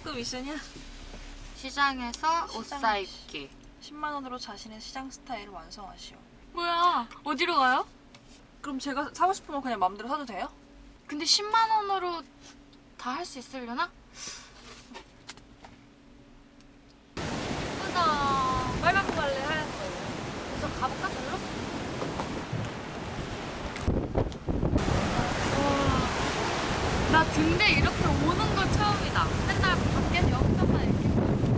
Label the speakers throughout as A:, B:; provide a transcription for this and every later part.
A: 또 미션이야?
B: 시장에서 옷 사입기.
A: 10만 원으로 자신의 시장 스타일을 완성하시오.
B: 뭐야? 어디로 가요?
A: 그럼 제가 사고 싶으면 그냥 마음대로 사도 돼요?
B: 근데 10만 원으로 다 할 수 있으려나? 예쁘다.
A: 빨간 거 갈래? 하얀 거?
B: 그래서 가볼까 저기로? 나 등대 이렇게 오는 거 처음이다. 맨날 밖에서 영상만 이렇게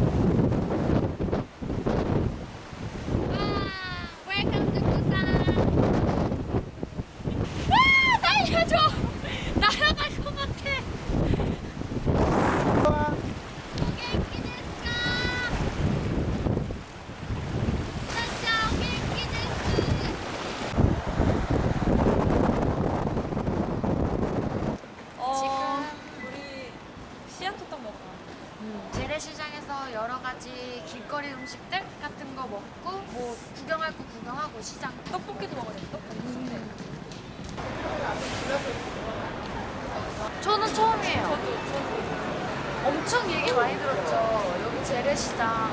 B: 웰컴 투 부산. 살려줘. 날아갈 것 같아. 오겐키 데스까? 진짜 오겐키 데스. 지금
A: 우리 씨앗호떡 먹어.
B: 재래시장에서 여러 가지 길거리 음식들 같은 거 먹고 뭐 구경할 거 구경하고 시장.
A: 떡볶이도 먹어야 돼. 떡볶이.
B: 저는 처음이에요.
A: 저도.
B: 엄청 얘기 많이 들었죠. 여기 재래시장.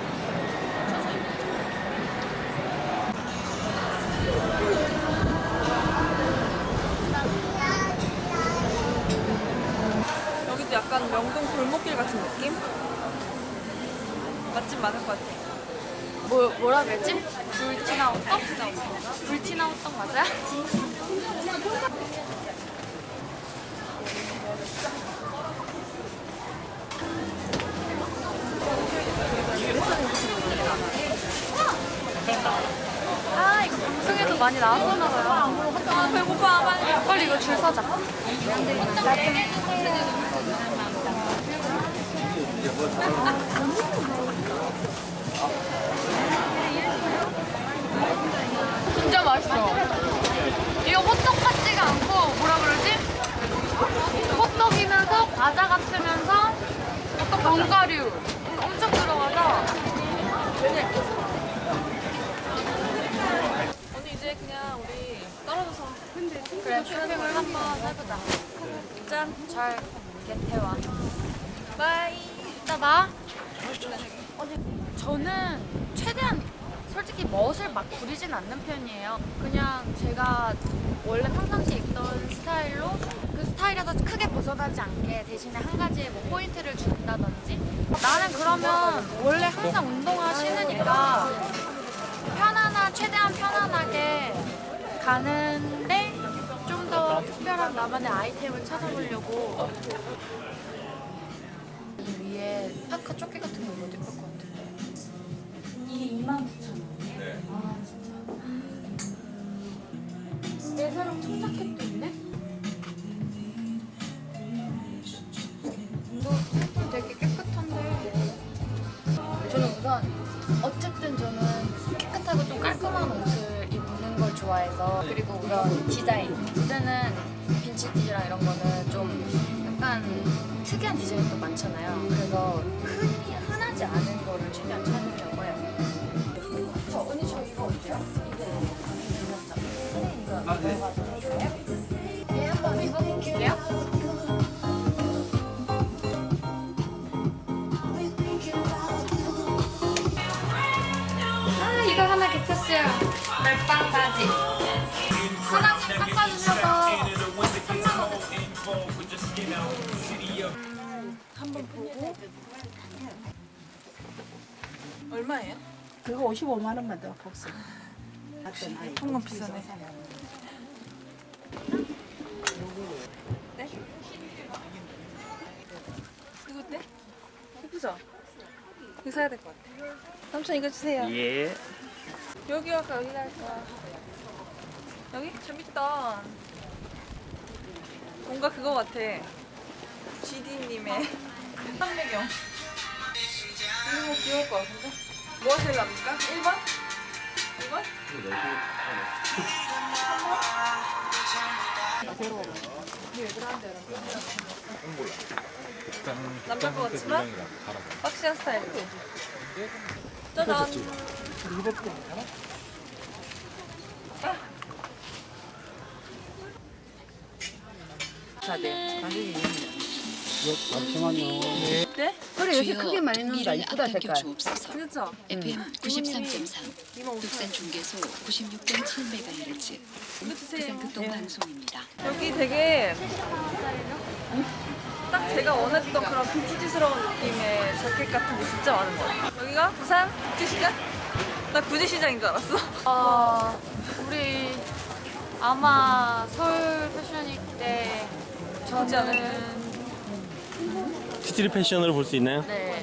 A: 여기도 약간 명동 골목길 같은 느낌? 맛집 많을 것 같아.
B: 뭐라 그랬지? 불티나우떡? 불티나우떡 맞아요? 아 이거 방송에도 많이 나왔었나 봐요.
A: 아 배고파. 빨리.
B: 빨리 이거 줄 서자. 진짜 맛있어. 이거 호떡 같지가 않고 뭐라 그러지? 호떡이면서 과자 같으면서 견과류 엄청 들어가서
A: 언니 이제 그냥 우리 떨어져서.
B: 그래 쇼핑을 한번 해보자.
A: 짠.
B: 잘 개태와.
A: 바이.
B: 이따 봐. 저는 최대한 솔직히 멋을 막 부리진 않는 편이에요. 그냥 제가 원래 평상시에 입던 스타일로 그 스타일에서 크게 벗어나지 않게 대신에 한 가지 뭐 포인트를 준다든지. 나는 그러면 원래 항상 운동화 신으니까 최대한 편안하게 가는데 좀 더 특별한 나만의 아이템을 찾아보려고 이 위에 파카 조끼 같은 거 입어도 예쁠 것 같은데. 이게 29,000원이에요? 네. 아 진짜. 내 사랑 청자켓도 있네? 이거 색깔 되게 깨끗한데. 저는 우선 어쨌든 저는 깨끗하고 좀 깔끔한 옷을 입는 걸 좋아해서. 그리고 우선 디자인. 디자인은 빈티지랑 이런 거는 좀 약간 특이한 디자인도 많잖아요. 그래서 흔하지 않은 거를 최대한 찾으려고 해요. 언니 저 이거 어때요? 이거 넣어가지고 해줄래요? 네, 한번 입어볼게요. 이거 하나 개쳤어요. 멜빵 바지. 사장님 깎아주셔서 3만원
A: 한번 보고. 얼마예요?
C: 그거 55만 원만 더 복수.
A: 한건 비싸네. 네? 이거 어때? 예쁘죠? 이거 사야 될 것 같아. 삼촌 이거 주세요.
D: 예.
A: 여기 할까 여기 할까? 여기? 재밌다. 뭔가 그거 같아. GD님의 상배경. 이거 귀여울 것 같은데? 뭐가 제일 납니까? 1번? 2번? 3번? 남자 것 같지만 박시한 스타일이고. 짜잔.
C: 네.
A: 네?
C: 잠시만요.
A: 네?
D: 그래 요새 크게 많이 넣는다. 이쁘다 색깔.
E: 주옵소서.
A: 그렇죠?
E: FM 93.3
A: 이모
E: 독산 중계소 96.7MHz
A: 이거 주세요.
E: 부산 극동 방송입니다.
A: 여기 되게 딱 제가 원했던 그런 빈티지스러운 느낌의 자켓 같은 게 진짜 많은 것 같아요. 여기가 부산 국제시장? 나 구제시장인 줄 알았어.
B: 우리 아마 서울 패션위크 때
A: 보지 않을까요?
B: 저는
F: 스트릿 패션으로 볼 수 있나요?
B: 네